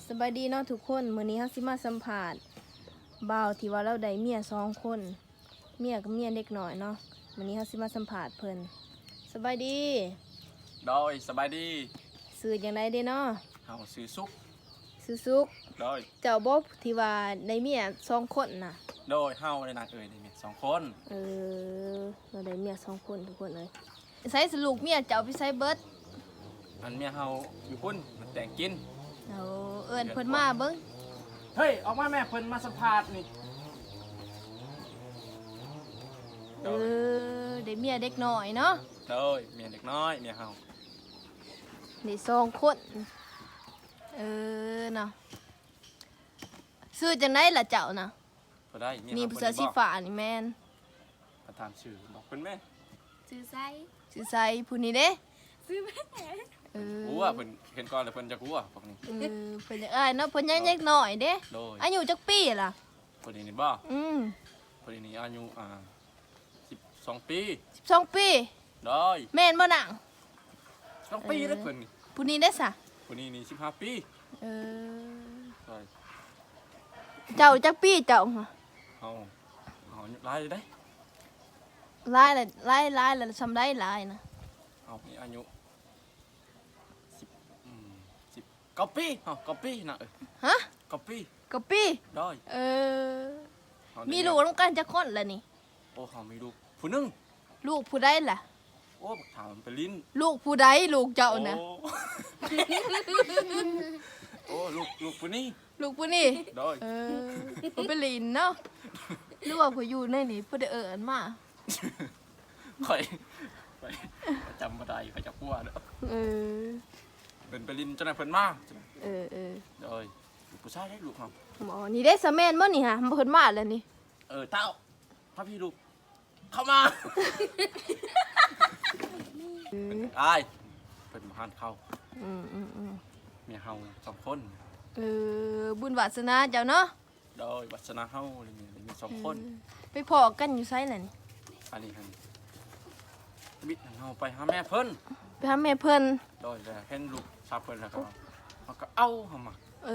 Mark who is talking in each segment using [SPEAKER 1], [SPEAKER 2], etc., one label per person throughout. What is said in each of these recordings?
[SPEAKER 1] สบายดีเนาะทุกคนมื้อนี้เฮาสิมาสัมภาษณ์บ่าวที่ว่าเราได้เมีย2คนเมียกับเมียเด็กน้อยเนาะมื้อนี้เฮาสิมาสัมภาษณ์เพิ่นสบายดี
[SPEAKER 2] โดยสบายดี
[SPEAKER 1] ชื่อจังไดเด้เนาะ
[SPEAKER 2] เฮาซื้อซุก
[SPEAKER 1] ชื่อสุก
[SPEAKER 2] โดย
[SPEAKER 1] เจ้าบ่ที่ว่าได้เมีย2คนน่ะ
[SPEAKER 2] โดยเฮาได้นางได้เมีย2คน
[SPEAKER 1] เราได้เมีย2คนทุกคนเลยใส่สลูกเมียเจ้าไปใส่เบิด
[SPEAKER 2] อันเมียเฮาอยู่พุ่นมันแต่งกิน
[SPEAKER 1] เอาเอิ้นเพิ่นมาเบิ่ง
[SPEAKER 2] เฮ้ยออกมาแม่เพิ่นมาสัมภาษณ์นี่
[SPEAKER 1] ได้เมียเด็กน้อยเนาะ
[SPEAKER 2] โดยเมียเด็กน้อยเมียเฮา
[SPEAKER 1] ได้2คนเนาะชื่อจังไดล่ะเจ้าน่ะ
[SPEAKER 2] บ่ได้
[SPEAKER 1] นี่ผู้ชายสีฟ้านี่แม่น
[SPEAKER 2] ประธานชื่อบอกเพิ่นแม่
[SPEAKER 1] ชื่อไสผู้นี้เด้
[SPEAKER 3] ซื้อแม่
[SPEAKER 2] กูว่าเพิ่นเห็นก่อนแล้วเพิ่นจะกูว่าพวกนี้
[SPEAKER 1] เพิ่นอ้ายเนาะเพิ่นยังเด็กน้อยเด้อายุจักปีล่ะ
[SPEAKER 2] คนนี้บ่คนนี้อายุ12 ปี
[SPEAKER 1] 12ปี
[SPEAKER 2] ได้
[SPEAKER 1] แม่นบ่นาง
[SPEAKER 2] 2 ปีแล้วเพิ่นนี่
[SPEAKER 1] ผู้นี้ได้ซะ
[SPEAKER 2] ผู้นี้นี่15 ปีใช่
[SPEAKER 1] เจ้าจักปีเจ้า
[SPEAKER 2] เอาหลายเลยได้
[SPEAKER 1] หลายแล้วซำได้หลายนะ
[SPEAKER 2] เอามีอายุ10 ปี9 ปีนะ
[SPEAKER 1] ฮะ
[SPEAKER 2] 9 ปีได้
[SPEAKER 1] มีลูกนำกันจักคนล่ะนี่
[SPEAKER 2] โอ้เขามีลูกผู้นึง
[SPEAKER 1] ลูกผู้ใดล่ะ
[SPEAKER 2] โอ้ถามไปลิ้น
[SPEAKER 1] ลูกผู้ใดลูกเจ้าน่ะ
[SPEAKER 2] โอ้ลูกผู้นี้
[SPEAKER 1] ลูกผู้นี้
[SPEAKER 2] ได้
[SPEAKER 1] บ่ไปลิ้นเนาะหรือว่าผู้อยู่ในนี่ผู้ได้เอิ้นมา
[SPEAKER 2] ข่อยจำบ่ได้ข่อยจักปัวเด้อเป็นไปลิ้นจนเพิ่นมาได้ผู้ชายได้ลูกครับ
[SPEAKER 1] หมอนี่ได้สะแม่นบ่นี่ฮะเพิ่นมาแล้วนี่
[SPEAKER 2] เต้าพาพี่ลูกเข้ามาอ้ายเพิ่นมาหานเข้าเมียเฮา2 คน
[SPEAKER 1] บุญวาสนาเจ้าเนาะ
[SPEAKER 2] โดยวาสนาเฮามี2 คน
[SPEAKER 1] ไปพ้อกันอยู่ไสล่ะนี่
[SPEAKER 2] อันนี้บิดเฮาไปหาแม่เพิ่น
[SPEAKER 1] ไปหาแม่เพิ่น
[SPEAKER 2] โดยเห็นลูกชาวเพิ่นแล้วก็เฮาก็เอาเฮามา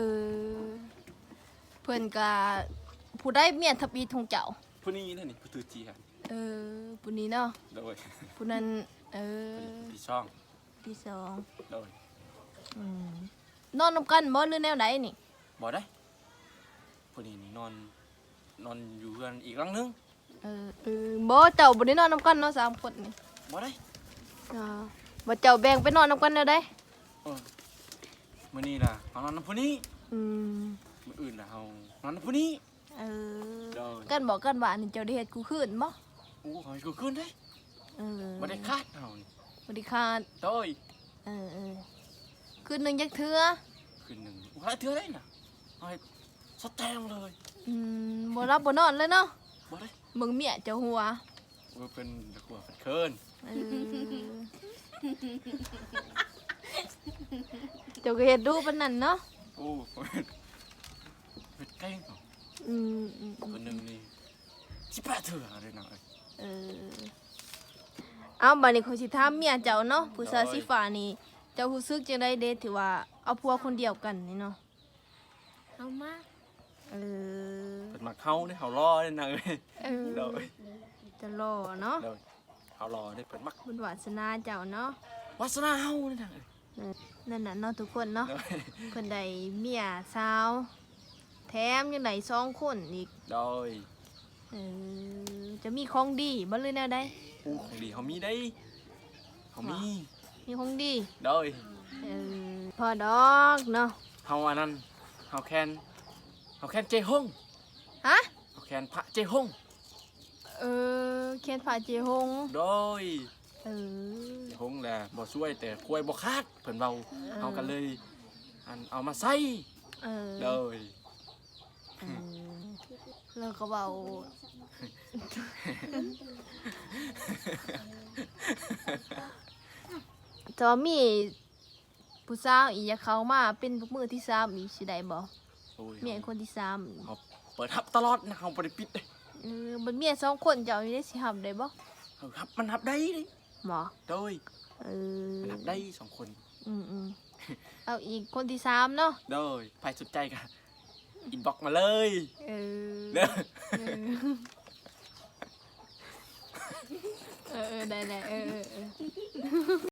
[SPEAKER 1] เพิ่นก็ผู้ได้เมียทับอีทงเจ้า
[SPEAKER 2] ผู้นี้นี่ผู้ถือจีฮะ
[SPEAKER 1] ผู้นี้เนาะ
[SPEAKER 2] โดย
[SPEAKER 1] ผู้นั้น
[SPEAKER 2] ที่2โดย
[SPEAKER 1] นอนนำกันบ่หรือแนวใดนี่
[SPEAKER 2] บ่ได้ผู้นี้นี่นอนอยู่เรือนอีกหลังนึง
[SPEAKER 1] บ่เจ้าบ่ได้นอนนำกันเนาะ3 คนนี่
[SPEAKER 2] บ่ได้
[SPEAKER 1] บ่เจ้าแบ่งไปนอนนำกันแนวใด
[SPEAKER 2] มื้อนี้ล่ะเฮานอนนำผู้นี้มื้ออื่นล่ะเฮานอนนำผู้นี้
[SPEAKER 1] กันบอกกันว่านี่เจ้าได้เฮ็ดกูคืนบ่
[SPEAKER 2] โอ้เฮากูคืนได้บ่ได้คาดเฮานี่
[SPEAKER 1] บ่ได้คาด
[SPEAKER 2] โดย
[SPEAKER 1] คืนนึงจักเทื่อ
[SPEAKER 2] คืนนึงหลายเทื่อได้น่ะเอาให้สแตงเลย
[SPEAKER 1] บ่รับบ่นอนเลยเนาะ
[SPEAKER 2] บ่ได้
[SPEAKER 1] มึงเมียเจ้าหัว
[SPEAKER 2] เป็นหัวเป็นเคิน
[SPEAKER 1] เจ้าก็เฮ็ดดูปานนั้นเนาะ
[SPEAKER 2] โอ้เป็นเก่งคนนึงนี่18 เทื่อเลยนะ
[SPEAKER 1] เอาบัดนี้ข้อยสิถามเมียเจ้าเนาะผู้ชายสีฟ้านี่เจ้ารู้สึกจังได๋เด้ที่ว่าเอาผัวคนเดียวกันนี่เนาะ
[SPEAKER 3] เอามา
[SPEAKER 2] เป็นมาเข้าได้เฮารอได้นะเด้อ
[SPEAKER 1] จะรอเนาะ
[SPEAKER 2] เฮารอได้เพิ่นมัก
[SPEAKER 1] บุญวาสนาเจ้าเนาะ
[SPEAKER 2] วาสนาเฮานี่นะ
[SPEAKER 1] นั่นน่ะเนาะทุกคนเนาะเพิ่นได้เมียสาวแถมยังได้2 คนอีก
[SPEAKER 2] โดย
[SPEAKER 1] จะมีของดีบ่หรือแนวใด
[SPEAKER 2] ของดีเฮามีได้เฮามี
[SPEAKER 1] ของดี
[SPEAKER 2] โดย
[SPEAKER 1] พอดอกเนาะ
[SPEAKER 2] เฮาอันนั้นเฮาแคนเจฮง
[SPEAKER 1] ฮะ
[SPEAKER 2] เฮาแคนพระเจฮง
[SPEAKER 1] แคนพระเจฮง
[SPEAKER 2] โดยเจฮงแหละบ่ช่วยแต่ป่วยบ่คาดเพิ่นเว้าเฮากันเลยเอามาใส่โดย
[SPEAKER 1] แล้วก็เว้าจะมีผู้สาวอีกอยากเข้ามาเป็นมือที่3อีกสิได้บ่เมียคนที่3
[SPEAKER 2] เปิดรับตลอดนะเฮาบ่ได้ปิดเด้
[SPEAKER 1] มันเมีย2 คนเจ้านี่ได้สิรับได้บ่
[SPEAKER 2] รับมันรับได้เด้
[SPEAKER 1] หมอ
[SPEAKER 2] โดยมันรับได้2 คน
[SPEAKER 1] เอาอีกคนที่สามเนาะ
[SPEAKER 2] โดยใครสนใจกันอินบ็อกมาเลย
[SPEAKER 1] เออ
[SPEAKER 2] เด้อ
[SPEAKER 1] ได้